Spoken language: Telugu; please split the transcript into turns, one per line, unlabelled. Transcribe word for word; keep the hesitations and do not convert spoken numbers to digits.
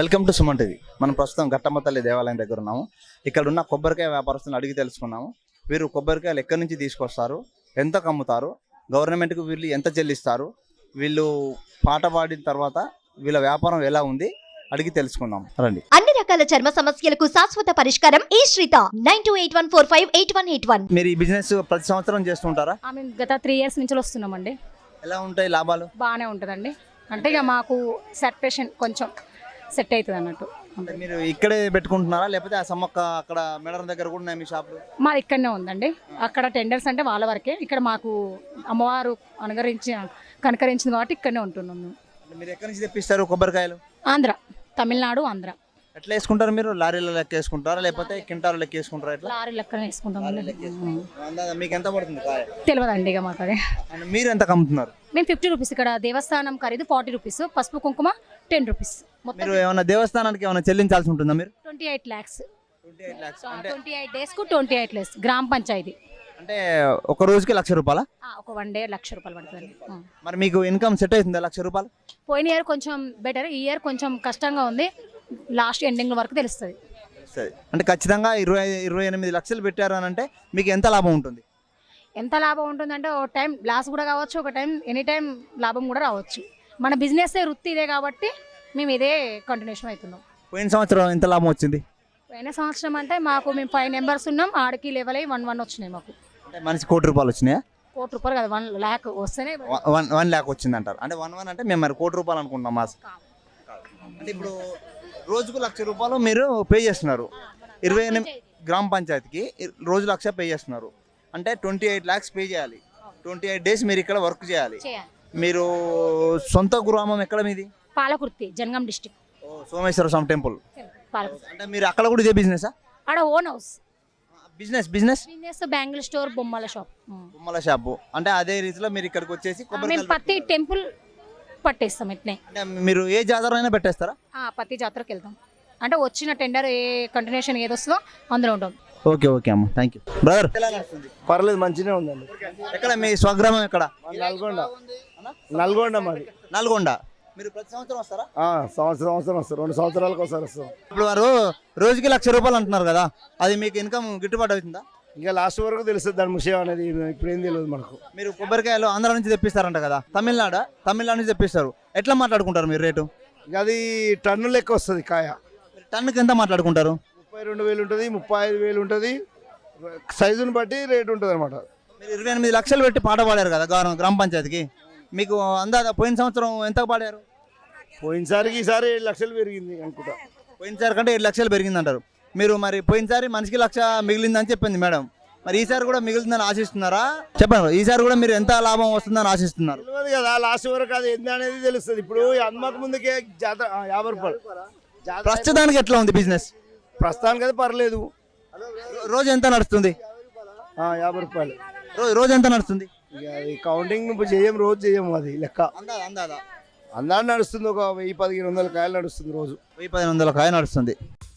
Welcome to Suman TV. మనం ప్రస్తుతం ఘట్టమ్మ తల్లి దేవాలయం దగ్గర ఉన్నాము. ఇక్కడ ఉన్న కొబ్బరికాయ వ్యాపారస్తులను అడిగి తెలుసుకున్నాము. వీరు కొబ్బరికాయలు ఎక్కడి నుంచి తీసుకొస్తారు, ఎంత కమ్ముతారు, గవర్నమెంట్కి వీళ్ళు ఎంత చెల్లిస్తారు, వీళ్ళు పాట పాడిన తర్వాత వీళ్ళ వ్యాపారం ఎలా ఉంది అడిగి తెలుసుకుందాం రండి.
అన్ని రకాల చర్మ సమస్యలకు శాశ్వత పరిష్కారం ఈ Sritha nine two eight one four five eight one eight one.
మీరు ఈ బిజినెస్ ప్రతి సంవత్సరం చేస్తుంటారా?
మేము గత త్రీ ఇయర్స్ నుంచి వస్తున్నామండి.
ఎలా ఉంటాయి లాభాలు?
బాగానే ఉంటుందండి. అంటే ఇక మాకు సెటరేషన్ కొంచెం సెట్ అవుతుంది అన్నట్టు.
అంటే మీరు ఇక్కడే పెట్టుకుంటున్నారా లేకపోతే ఆ సమ్మక్క అక్కడ మేడరం దగ్గర కూడా ఉన్నాయి మీ షాపులు?
మాది ఇక్కడనే ఉందండి. అక్కడ టెండర్స్ అంటే వాళ్ళ వరకే, ఇక్కడ మాకు అమ్మవారు అనుగరించి కనకరించింది కాబట్టి ఇక్కడనే ఉంటున్నాం మేము.
మీరు ఎక్కడి నుంచి తెప్పిస్తారు కొబ్బరికాయలు?
ఆంధ్ర, తమిళనాడు, ఆంధ్ర.
ఎట్లా వేసుకుంటారు మీరు? లారీలో లెక్క వేసుకుంటారా లేకపోతే కింటాలు లెక్క వేసుకుంటారా? ఎట్లా?
లారీ లెక్కన వేసుకుంటామండి.
మీకు ఎంత పడుతుంది కాయ?
తెలియదండి ఇక మాకు అదే.
మీరు ఎంత కమ్ముతున్నారు?
మేము ఫిఫ్టీ రూపీస్, ఇక్కడ దేవస్థానం ఖరీదు ఫార్టీ రూపీస్, పసుపు కుంకుమ టెన్ రూపీస్.
మీరు ఏమైనా దేవస్థానానికి ఏమైనా చెల్లించాల్సి ఉంటుందా? మీరు
ట్వంటీ ఎయిట్ ల్యాక్స్
అంటే
ట్వంటీ ఎయిట్ డేస్ కు ట్వంటీ ఎయిట్ ల్యాక్స్ గ్రామ పంచాయతీ.
అంటే ఒక రోజుకి లక్ష రూపాయల?
ఒక వన్ డే లక్ష రూపాయలు పడుతుంది.
మరి మీకు ఇన్కమ్ సెట్ అవుతుందా లక్ష రూపాయలు?
పోయిన ఇయర్ కొంచెం బెటర్, ఈ ఇయర్ కొంచెం కష్టంగా ఉంది. లాస్ట్ ఎండింగ్ వరకు తెలుస్తుంది.
అంటే ఖచ్చితంగా ఇరవై ఇరవై ఎనిమిది లక్షలు పెట్టారు అని అంటే మీకు ఎంత లాభం ఉంటుంది?
ఎంత లాభం ఉంటుందంటే ఒక టైం లాస్ కూడా కావచ్చు, ఒక టైం ఎనీ టైం లాభం కూడా రావచ్చు. మన బిజినెస్ వృత్తి ఇదే కాబట్టి మేము ఇదే కంటిన్యూషన్ అవుతున్నాం.
పోయిన సంవత్సరం ఎంత లాభం వచ్చింది?
పోయిన సంవత్సరం అంటే మాకు మేము ఫైవ్ మెంబర్స్ ఉన్నాం, ఆడికి లెవెల్ అయ్యి వన్ వన్ వచ్చినాయి మాకు.
అంటే మనిషి కోటి రూపాయలు వచ్చినాయా?
కోటి రూపాయలు కదా, వన్ ల్యాక్ వస్తేనే
వన్ వన్ ల్యాక్ వచ్చింది అంటారు. అంటే వన్ వన్ అంటే మేము మరి కోటి రూపాయలు అనుకుంటున్నాం మాస్. అంటే ఇప్పుడు రోజుకు లక్ష రూపాయలు మీరు పే చేస్తున్నారు ఇరవై ఎనిమిది గ్రామ పంచాయతీకి, రోజు లక్ష పే చేస్తున్నారు అంటే ట్వంటీ ఎయిట్ ల్యాక్స్ పే చేయాలి. ట్వంటీ ఎయిట్ డేస్ మీరు ఇక్కడ వర్క్ చేయాలి. మీరు సొంత గ్రామం ఎక్కడ మీది?
పాలకుర్తి, జనగాం డిస్ట్రిక్ట్.
సోమేశ్వర స్వామి టెంపుల్. అంటే మీరు అక్కడ కూడా ఇదే బిజినెస్?
ఆడ own house
business business
business bangle store, బొమ్మల షాప్.
బొమ్మల షాపు. అంటే అదే రీతిలో మీరు ఇక్కడికి వచ్చేసి
మేము ప్రతి టెంపుల్ పట్టేస్తాం. ఇట్నే
అంటే మీరు ఏ జాతర అయినా పెట్టేస్తారా?
ప్రతి జాతరకు వెళ్తాం. అంటే వచ్చిన టెండర్ ఏ కంటిన్యూషన్ ఏది వస్తుందో అందులో ఉంటాం.
ఓకే ఓకే అమ్మ, థ్యాంక్ యూ బ్రదర్.
పర్లేదు, మంచిగా ఉందండి.
ఎక్కడ మీ స్వగ్రామం ఎక్కడ?
నల్గొండ. నల్గొండ మాది.
నల్గొండ. మీరు ప్రతి సంవత్సరం వస్తారా?
సంవత్సరం సంవత్సరం వస్తారు, రెండు సంవత్సరాలకు ఒకసారి వస్తాం.
ఇప్పుడు వారు రోజుకి లక్ష రూపాయలు అంటున్నారు కదా, అది మీకు ఇన్కమ్ గిట్టుబాటు అవుతుందా?
ఇంకా లాస్ట్ వరకు తెలుస్తుంది దాని విషయం అనేది, ఇప్పుడు ఏం తెలియదు మనకు.
మీరు కొబ్బరికాయలు ఆంధ్ర నుంచి తెప్పిస్తారంట కదా, తమిళనాడు తమిళనాడు నుంచి తెప్పిస్తారు. ఎట్లా మాట్లాడుకుంటారు మీరు రేటు?
ఇంకా అది టన్ను లెక్క వస్తుంది కాయ.
టన్నుకి ఎంత మాట్లాడుకుంటారు?
ముప్పై రెండు వేలు ఉంటుంది, ముప్పై ఐదు వేలు ఉంటుంది, సైజుని బట్టి రేటు ఉంటుంది అనమాట.
మీరు ఇరవై ఎనిమిది లక్షలు పెట్టి పాట పాడారు కదా గ్రామ పంచాయతీకి, మీకు అందాజ పోయిన సంవత్సరం ఎంత పాడారు?
పోయినసారికి ఈసారి ఏడు లక్షలు పెరిగింది అనుకుంటా.
పోయినసారి కంటే ఏడు లక్షలు పెరిగింది అంటారు మీరు. మరి పోయినసారి మనిషికి లక్ష మిగిలిందని చెప్పింది మేడం, మరి ఈసారి కూడా మిగులుతుందని ఆశిస్తున్నారా? చెప్పండి, ఈసారి కూడా మీరు ఎంత లాభం వస్తుందని ఆశిస్తున్నారు?
తెలియదు కదా, లాస్ట్ వరకు అది ఎంత అనేది తెలుస్తుంది. ఇప్పుడు అమ్మక ముందుకే జాతర యాభై రూపాయలు.
ప్రస్తుతానికి ఎట్లా ఉంది బిజినెస్?
ప్రస్తుతానికి అయితే పర్లేదు.
రోజు ఎంత నడుస్తుంది?
యాభై రూపాయలు.
రోజు ఎంత నడుస్తుంది?
ఇక అది కౌంటింగ్ ఇప్పుడు చేయం, రోజు చేయము, అది లెక్క
అందాదా
అందా నడుస్తుంది. ఒక వెయ్యి పదిహేను వందల కాయలు నడుస్తుంది రోజు.
వెయ్యి పదిహేను వందల కాయ నడుస్తుంది.